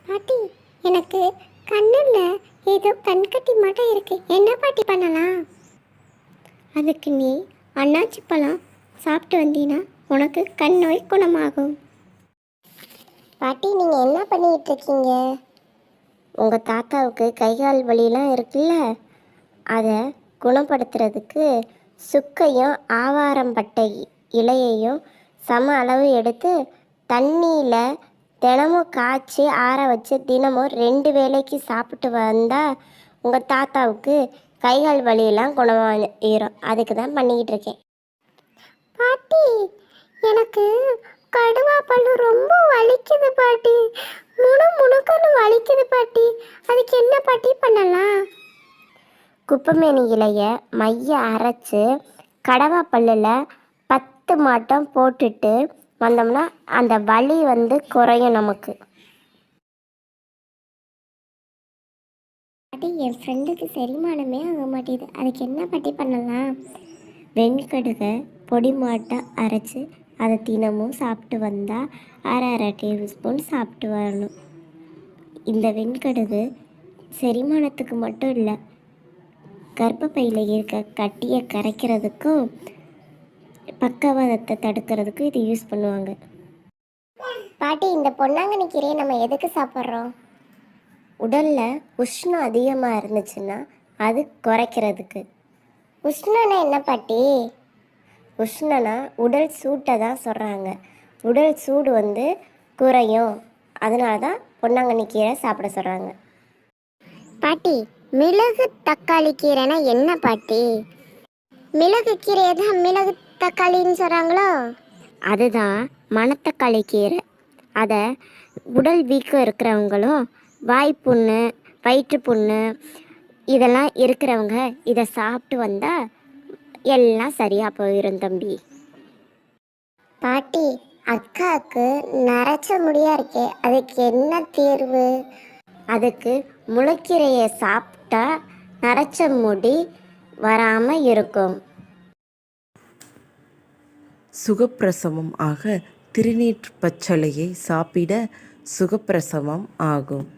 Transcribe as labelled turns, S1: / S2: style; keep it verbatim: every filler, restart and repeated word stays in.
S1: பாட்டி, எனக்கு கண்ணில் ஏதோ கண்கட்டி மட்டும் இருக்கு, என்ன பாட்டி பண்ணலாம்? அதுக்கு நீ அன்னாச்சி பழம் சாப்பிட்டு வந்தீங்கன்னா உனக்கு கண் நோய் குணமாகும். பாட்டி, நீங்கள் என்ன பண்ணிக்கிட்டு இருக்கீங்க? உங்கள் தாத்தாவுக்கு கைகால் வலியெலாம் இருக்குல்ல, அதை குணப்படுத்துறதுக்கு சுக்கையும் ஆவாரம்பட்டை இலையையும் சம அளவு எடுத்து தண்ணியில் தினமும் காய்ச்சி ஆற வச்சு தினமும் ரெண்டு வேளைக்கு சாப்பிட்டு வந்தால் உங்கள் தாத்தாவுக்கு கைகால் வலியெல்லாம் குணமாயிரும். அதுக்கு தான் பண்ணிக்கிட்டு இருக்கேன். பாட்டி, எனக்கு கடுவா பல்லு ரொம்ப வலிக்குது பாட்டி, முணு முணுக்கன்னு வலிக்குது பாட்டி, அதுக்கு என்ன பாட்டி பண்ணலாம்? குப்பைமேனி இலையை மைய அரைச்சி கடவா பல்லில் பத்து மாட்டம் போட்டுட்டு வந்தோம்னா அந்த வலி வந்து குறையும் நமக்கு. பாட்டி, என் ஃப்ரெண்டுக்கு செரிமானமே ஆக மாட்டேது, அதுக்கு என்ன பாட்டி பண்ணலாம்? வெண்கடுகை பொடி மாட்டை அரைச்சி அதை தினமும் சாப்பிட்டு வந்தால் அரை அரை டேபிள் ஸ்பூன் சாப்பிட்டு வரணும். இந்த வெண்கடுகு செரிமானத்துக்கு மட்டும் இல்லை, கர்ப்பப்பையில் இருக்க கட்டியை கரைக்கிறதுக்கும் பக்கவாதத்தை தடுக்கிறதுக்கும் இது யூஸ் பண்ணுவாங்க. பாட்டி, இந்த பொன்னாங்கண்ணி கீரையை நம்ம எதுக்கு சாப்பிட்றோம்? உடலில் உஷ்ணம் அதிகமாக இருந்துச்சுன்னா அது குறைக்கிறதுக்கு. உஷ்ணம்னா என்ன பாட்டி? உஷ்ணனா உடல் சூட்டை தான் சொல்கிறாங்க. உடல் சூடு வந்து குறையும், அதனால தான் பொன்னாங்கண்ணி கீரை சாப்பிட சொல்கிறாங்க. பாட்டி, மிளகு தக்காளி கீரைனா என்ன பாட்டி? மிளகு கீரையை தான் மிளகு தக்காளின்னு சொல்கிறாங்களோ? அதுதான் மணத்தக்காளி கீரை. அதை உடல் வீக்கம் இருக்கிறவங்களும் வாய்ப்புண்ணு வயிற்றுப்புண்ணு இதெல்லாம் இருக்கிறவங்க இதை சாப்பிட்டு வந்தால் எல்லாம் சரியாக போயிடும் தம்பி. பாட்டி, அக்காவுக்கு நரைச்ச முடியா இருக்கே, அதுக்கு என்ன தீர்வு? அதுக்கு முளைக்கீரையை சாப்பிட்டா நரைச்ச முடி வராமல் இருக்கும்.
S2: சுகப்பிரசவம் ஆக திருநீற்று பச்சளையை சாப்பிட சுகப்பிரசவம் ஆகும்.